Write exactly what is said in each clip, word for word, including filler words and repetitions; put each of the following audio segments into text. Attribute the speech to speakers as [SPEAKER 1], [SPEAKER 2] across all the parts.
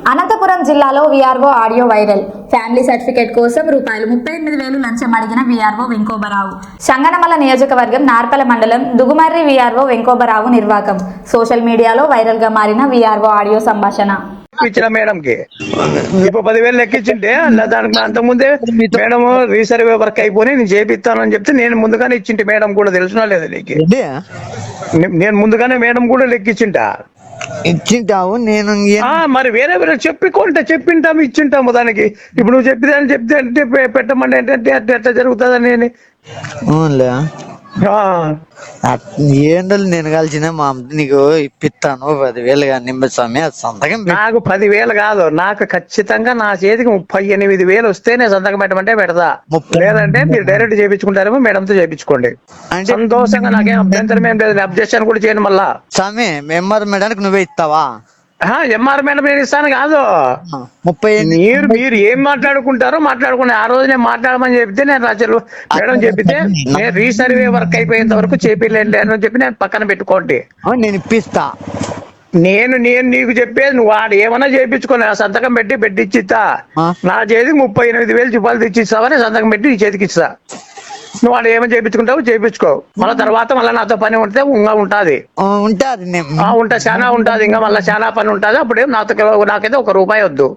[SPEAKER 1] అనంతపురం జిల్లాలో VRO audio viral. Family certificate కోసం రూపాయలు ముప్పై ఎనిమిది వేలు లంచం అడిగిన వీఆర్ఓ వెంకోబరావు. సంగనమల నియోజకవర్గం నార్పల మండలం దుగుమర్రి వీఆర్ఓ వెంకోబరావు నిర్వాకం. సోషల్ మీడియాలో వైరల్ గా మారిన వీఆర్ఓ ఆడియో సంభాషణ.
[SPEAKER 2] ఇచ్చిన మేడం కి ఇప్పుడు పదివేలు లెక్కించింటే దానికి అంతకుముందే మేడం రీసర్వే వర్క్ అయిపోయి నేను చేపిస్తానని చెప్తే నేను ముందుగానే ఇచ్చింటి. మేడం కూడా తెలిసినా లేదా నీకు? నేను ముందుగానే మేడం కూడా లెక్కించింటా
[SPEAKER 3] ఇచ్చింటావు. నేను
[SPEAKER 2] మరి వేరే వేరే చెప్పుకుంటా చెప్పింటాము ఇచ్చింటాము దానికి. ఇప్పుడు నువ్వు చెప్పిదని చెప్తే అంటే పెట్టమండి ఏంటంటే అట్లా ఎట్లా జరుగుతుందని నేను
[SPEAKER 3] ఏంటో నేను కలిసిన మా అమ్మ నీకు ఇప్పిస్తాను పదివేలు కానీ స్వామి సంతకం.
[SPEAKER 2] నాకు పదివేలు కాదు, నాకు ఖచ్చితంగా నా చేతికి ముప్పై ఎనిమిది వేలు వస్తే నేను సంతకం పెట్టమంటే పెడతా. లేదంటే మీరు డైరెక్ట్ చేయించుకుంటారేమో మేడంతో చేయించుకోండి. సంతోషంగా నాకేం అభ్యంతరం ఏం లేదు. అబ్జెక్షన్ కూడా చేయను. మళ్ళా
[SPEAKER 3] స్వామి ఎంఆర్ మేడానికి నువ్వే ఇస్తావా?
[SPEAKER 2] ఎంఆర్ మేడం నేను ఇస్తాను కాదు,
[SPEAKER 3] ముప్పై
[SPEAKER 2] మీరు మీరు ఏం మాట్లాడుకుంటారో మాట్లాడుకునే. ఆ రోజు నేను మాట్లాడమని చెప్తే నేను రాజు మేడం చెప్పితే నేను రీసర్వే వర్క్ అయిపోయేంత వరకు చేపిలేండి అని చెప్పి నేను పక్కన పెట్టుకోండి.
[SPEAKER 3] నేను ఇప్పిస్తా.
[SPEAKER 2] నేను నేను నీకు చెప్పేది నువ్వు వాడు ఏమన్నా చేయించుకోని సంతకం పెట్టి పెట్టిచ్చిస్తా. నా చేతికి ముప్పై ఎనిమిది వేలు రూపాయలు తెచ్చిస్తావని సంతకం పెట్టి నీ చేతికి ఇస్తా. నువ్వు వాడు ఏమైనా చేయించుకుంటావు చేయించుకో. మళ్ళీ తర్వాత మళ్ళీ నాతో పని ఉంటే ఇంకా ఉంటది
[SPEAKER 3] ఉంటది
[SPEAKER 2] ఉంటా చాలా ఉంటది. ఇంకా మళ్ళీ చాలా పని ఉంటది. అప్పుడేం నాతో నాకైతే ఒక రూపాయి వద్దు.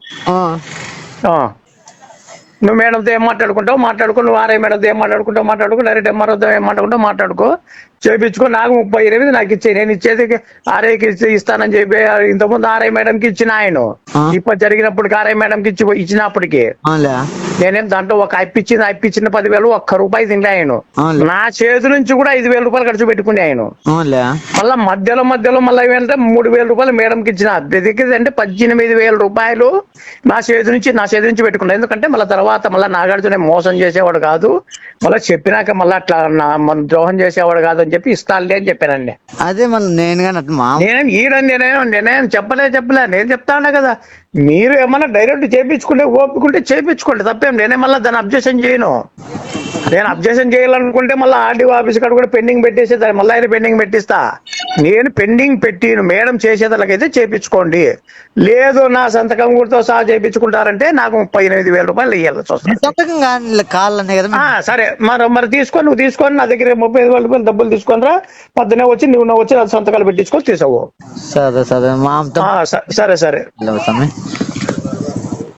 [SPEAKER 2] నువ్వు మేడంతో ఏం మాట్లాడుకుంటావు మాట్లాడుకో. నువ్వు ఆర్ఐ మేడంతో ఏం మాట్లాడుకుంటావు మాట్లాడుకో. డైరెక్ట్ ఎంఆర్ఓతో ఏం మాట్లాడుకుంటావు మాట్లాడుకో. చేయించుకో. నాకు ముప్పై ఎనిమిది నాకు ఇచ్చే. నేను ఇచ్చేది ఆర్ఐకి ఇస్తానని చెప్పి ఇంతకుముందు ఆర్ఐ మేడంకి ఇచ్చిన ఆయన. ఇప్పుడు జరిగినప్పటికి ఆర్ఐ మేడంకి ఇచ్చి ఇచ్చినప్పటికీ నేనేం దాంట్లో ఒక అప్పిచ్చింది అప్పిచ్చిన పదివేలు ఒక్క రూపాయి తింటే ఆయన నా చేతి నుంచి కూడా ఐదు వేల రూపాయలు ఖర్చు పెట్టుకుని ఆయన. మళ్ళా మధ్యలో మధ్యలో మళ్ళీ ఏంటంటే మూడు వేల రూపాయలు మేడంకి ఇచ్చిన. అంటే పద్దెనిమిది వేల రూపాయలు నా చేతి నుంచి నా చేతి నుంచి పెట్టుకున్నా. ఎందుకంటే మళ్ళీ తర్వాత మళ్ళీ నాగార్జున మోసం చేసేవాడు కాదు. మళ్ళీ చెప్పినాక మళ్ళీ అట్లా ద్రోహం చేసేవాడు కాదు అని చెప్పి ఇస్తానులే అని చెప్పానండి.
[SPEAKER 3] అదే మళ్ళీ నేను
[SPEAKER 2] నేనేం ఈడని నేనేం నేనేం చెప్పలే చెప్పలే నేను చెప్తా ఉన్నా కదా. మీరు ఏమన్నా డైరెక్ట్ చేయించుకుంటే ఓపుకుంటే చేయించుకోండి తప్పేం. నేనే మళ్ళీ దాన్ని అబ్జెక్షన్ చేయను. నేను అబ్జెక్షన్ చేయాలనుకుంటే మళ్ళీ ఆర్డీఓ ఆఫీస్ కాడ కూడా పెండింగ్ పెట్టేసి మళ్ళీ ఆయన పెండింగ్ పెట్టిస్తా. నేను పెండింగ్ పెట్టి మేడం చేసేదానికైతే చేయించుకోండి. లేదు నా సంతకం కూడా సహా చేయించుకుంటారంటే నాకు ముప్పై ఎనిమిది వేల రూపాయలు ఇవ్వాల్సి వస్తుంది. సరే మరి మరి తీసుకొని నువ్వు తీసుకొని నా దగ్గర ముప్పై ఐదు వేల రూపాయలు డబ్బులు తీసుకొని రా. పొద్దునే వచ్చి నువ్వు నువ్వు వచ్చి సంతకాలు పెట్టించుకొని తీసావు.
[SPEAKER 3] సరే సరే
[SPEAKER 2] సరే సరే